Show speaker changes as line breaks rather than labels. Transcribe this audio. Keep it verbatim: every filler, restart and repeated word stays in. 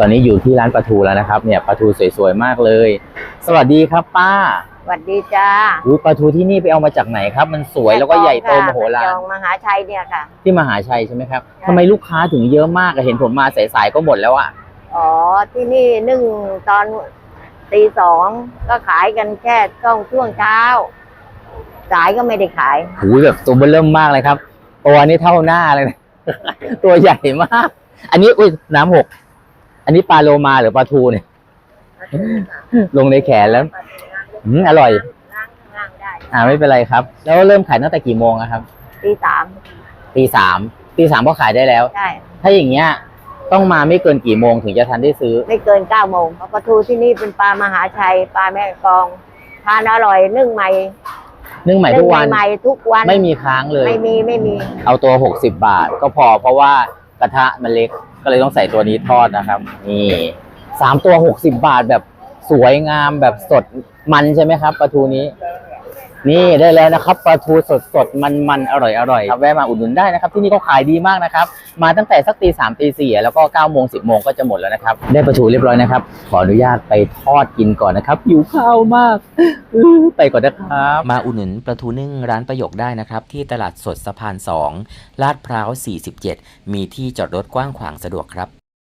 ตอนนี้อยู่ที่ร้านปลาทูแล้วนะครับเนี่ยปลาทูสวยๆมากเลยสวัสดีครับป้า
สวัสดีจ้า
อุ้ยปลาทูที่นี่ไปเอามาจากไหนครับมันสวยแล้วก็ใหญ่โตมโหฬาร
มหาชัยเนี่ยค่ะ
ที่มหาชัยใช่ไหมครับทำไมลูกค้าถึงเยอะมากเห็นผมมาสายๆก็หมดแล้วอ่ะ
อ๋อที่นี่นึ่งตอนตีสองก็ขายกันแค่ช่วงช่วงเช้าสายก็ไม่ได้ขาย
หูแบบตัวเบิ่มเริ่มมากเลยครับตัวนี้เท่าหน้าเลยนะ ตัวใหญ่มากอันนี้อุ้ยน้ำหกอันนี้ปลาโลมาหรือปลาทูเนี่ย ลงในแขนแล้วอืมอร่อยอ่าไม่เป็นไรครับแล้วเริ่มขายตั้งแต่กี่โมงครับ
ตีสาม
ตีสามตีสามก็ขายได้แล้ว
ใช่
ถ้าอย่างเงี้ยต้องมาไม่เกินกี่โมงถึงจะทันได้ซื้อ
ไม่เกินเก้าโมงเพราะปลาทูที่นี่เป็นปลามหาชัยปลาแม่กลองทานอร่อยนึ่งใหม่
นึ่งใหม่ทุกวัน
ใหม่ทุกวัน
ไม่มีค้างเลย
ไม่มีไม่มี
เอาตัวหกสิบบาทก็พอเพราะว่ากระทะมันเล็กก็เลยต้องใส่ตัวนี้ทอดนะครับนี่สามตัวหกสิบบาทแบบสวยงามแบบสดมันใช่ไหมครับปลาทูนี้นี่ได้แล้วนะครับปลาทูสดสดมันมันอร่อยอร่อยครับแวะมาอุดหนุนได้นะครับที่นี่ก็ขายดีมากนะครับมาตั้งแต่สักตีสามตีสี่แล้วก็เก้าโมงสิบโมงก็จะหมดแล้วนะครับได้ปลาทูเรียบร้อยนะครับขออนุญาตไปทอดกินก่อนนะครับหิวข้าวมากไปก่อนนะครับมาอุดหนุนปลาทูนึ่งร้านประโยคได้นะครับที่ตลาดสดสะพานสองลาดพร้าวสี่สิบเจ็ดมีที่จอดรถกว้างขวางสะดวกครับ